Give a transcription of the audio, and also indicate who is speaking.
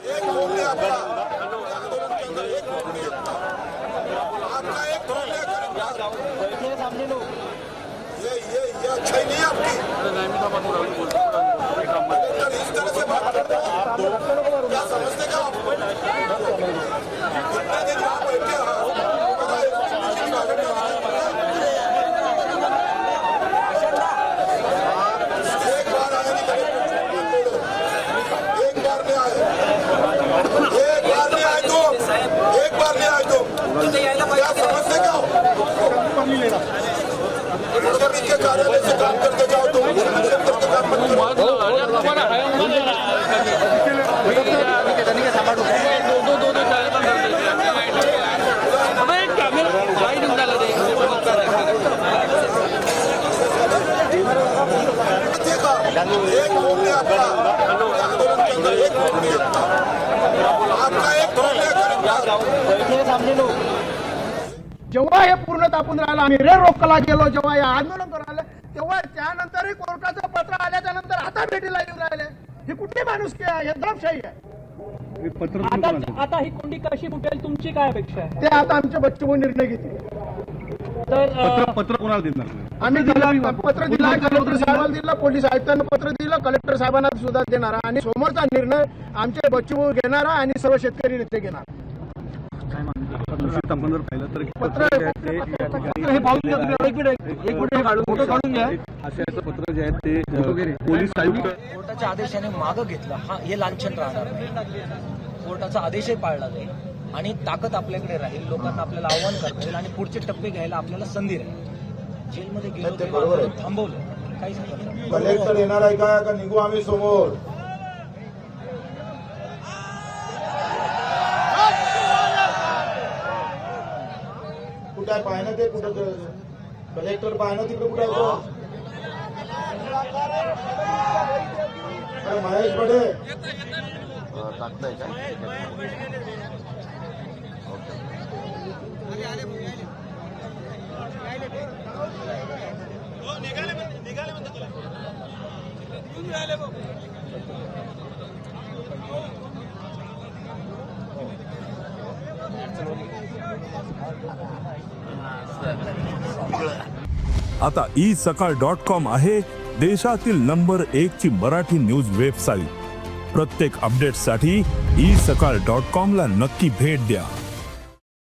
Speaker 1: एक फोन ले आपका आंदोलन के अंदर एक फोन ले आपका एक फोन ले
Speaker 2: बैठिए सामने लोग।
Speaker 1: ये अच्छा ही नहीं है आपकी इस तरह से बात करते हैं क्या समझते क्या आप कितने दिन यहाँ बैठे हैं एक बार आए नहीं एक बार नहीं आए एक बार नहीं आए तो क्या समझते क्या के कार्यालय से काम करके जाओ तो काम मत करो। एक फोन ले आपका आंदोलन के अंदर एक फोन ले आपका एक फोन ले
Speaker 2: बैठिए सामने लोग।
Speaker 3: जेव्हा हे पूर्ण तापून राहिलं आम्ही रे रोकला गेलो जेव्हा हे आंदोलन करायला तेव्हा त्यानंतरही कोर्टाचं पत्र आल्याच्या नंतर आता भेटीला येऊन राहिले ही कुठली माणुसकी आहे हे दडपशाही आहे
Speaker 4: आता ही कोंडी कशी फुटेल तुमची काय अपेक्षा आहे?
Speaker 3: ते आता आमचे बच्चू निर्णय घेतील
Speaker 4: तर
Speaker 5: पत्र कोणाला देणार?
Speaker 3: आम्ही पत्र दिला कलेक्टर साहेबांना दिलं पोलीस आयुक्तांना पत्र दिलं कलेक्टर साहेबांना सुद्धा देणार आणि समोरचा निर्णय आमचे बच्चू घेणार आणि सर्व शेतकरी नेते घेणार
Speaker 5: आपण जर पाहिलं तर
Speaker 3: पत्र
Speaker 4: हे पाहून घ्या तुम्ही. एक मिनिट हे काढून घ्या.
Speaker 5: आशयाचं पत्र जे आहे ते पोलीस आयुक्त
Speaker 6: कोर्टाच्या आदेशाने मागं घेतलं हे लांछन राहणार नाही. कोर्टाचा आदेशही पाळला जाईल आणि ताकद आपल्याकडे राहील. लोकांना आपल्याला आव्हान करता येईल आणि पुढचे टप्पे घ्यायला आपल्याला संधी राहील. जेलमध्ये गेलो तेव्हा आंदोलन थांबवलं काहीच नाही.
Speaker 1: कलेक्टर येणार आहे का निघू आम्ही समोर कुठे आहे पाहिलं ते कुठं कलेक्टर पाहिलं तिकडे कुठे आहे महेश बडे टाकताय का
Speaker 7: आता isakal.com आहे देशातील नंबर 1 ची मराठी न्यूज वेबसाईट. प्रत्येक अपडेटसाठी isakal.com ला नक्की भेट द्या.